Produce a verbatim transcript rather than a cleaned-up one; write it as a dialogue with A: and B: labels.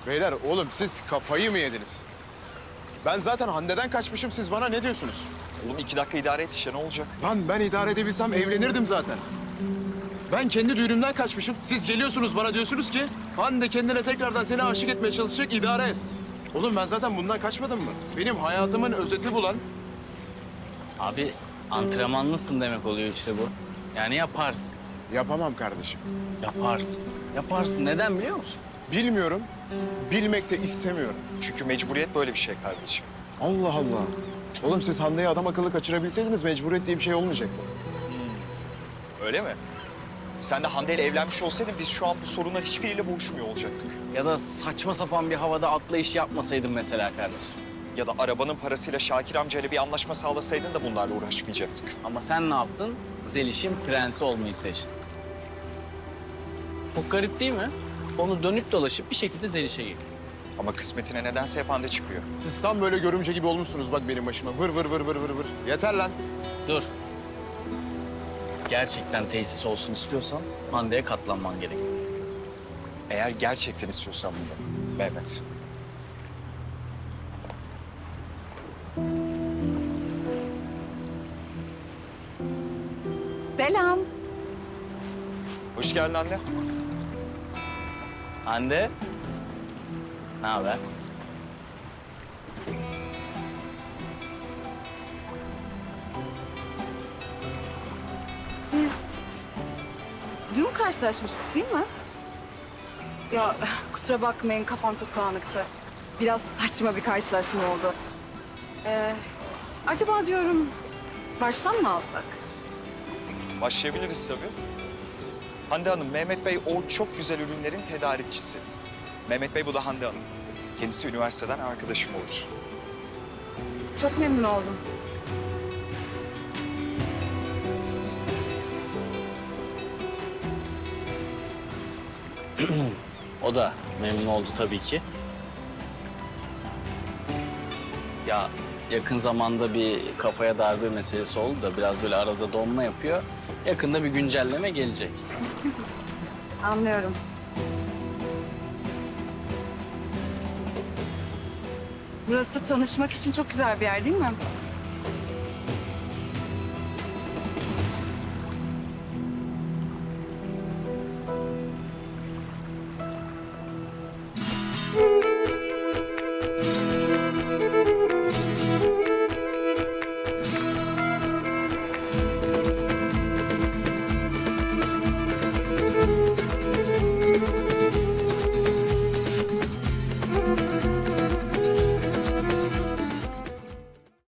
A: Beyler oğlum siz kafayı mı yediniz? Ben zaten Hande'den kaçmışım, siz bana ne diyorsunuz?
B: Oğlum iki dakika idare et işte, ne olacak?
A: Lan ben idare edebilsem evlenirdim zaten. Ben kendi düğünümden kaçmışım. Siz geliyorsunuz bana diyorsunuz ki Hande kendine tekrardan seni aşık etmeye çalışacak, idare et. Oğlum ben zaten bundan kaçmadım mı? Benim hayatımın özeti bu lan.
C: Abi antrenmanlısın demek oluyor işte bu. Yani yaparsın,
A: Yapamam kardeşim.
C: yaparsın, yaparsın. Neden biliyor musun?
A: Bilmiyorum, bilmek de istemiyorum.
B: Çünkü mecburiyet böyle bir şey kardeşim.
A: Allah Allah. Oğlum siz Hande'yi adam akıllı kaçırabilseydiniz mecburiyet diye bir şey olmayacaktı.
B: Öyle mi? Sen de Hande ile evlenmiş olsaydın biz şu an bu sorunla hiçbiriyle boğuşmuyor olacaktık.
C: Ya da saçma sapan bir havada atlayış yapmasaydın mesela kardeşim.
B: Ya da arabanın parasıyla Şakir amcayla bir anlaşma sağlasaydın da bunlarla uğraşmayacaktık.
C: Ama sen ne yaptın? Zeliş'in prensi olmayı seçtin. Çok garip değil mi? Onu dönüp dolaşıp bir şekilde Zeliş'e geliyor.
B: Ama kısmetine nedense hep Hande çıkıyor.
A: Siz tam böyle görümce gibi olmuşsunuz bak benim başıma. Vır vır vır vır vır vır. Yeter lan.
C: Dur. Gerçekten tesis olsun istiyorsan Hande'ye katlanman gerek.
B: Eğer gerçekten istiyorsan bunu Mehmet.
D: Selam.
B: Hoş geldin anne.
C: Hande, ne haber?
D: Siz dün karşılaşmıştık değil mi? Ya kusura bakmayın, kafam çok dağınıktı. Biraz saçma bir karşılaşma oldu. Ee, acaba diyorum baştan mı alsak?
B: Başlayabiliriz tabii. Hande Hanım, Mehmet Bey o çok güzel ürünlerin tedarikçisi. Mehmet Bey bu da Hande Hanım. Kendisi üniversiteden arkadaşım olur.
D: Çok memnun oldum.
C: O da memnun oldu tabii ki. Ya yakın zamanda bir kafaya darbe meselesi oldu da biraz böyle arada donma yapıyor. Yakında bir güncelleme gelecek.
D: Anlıyorum. Burası tanışmak için çok güzel bir yer değil mi?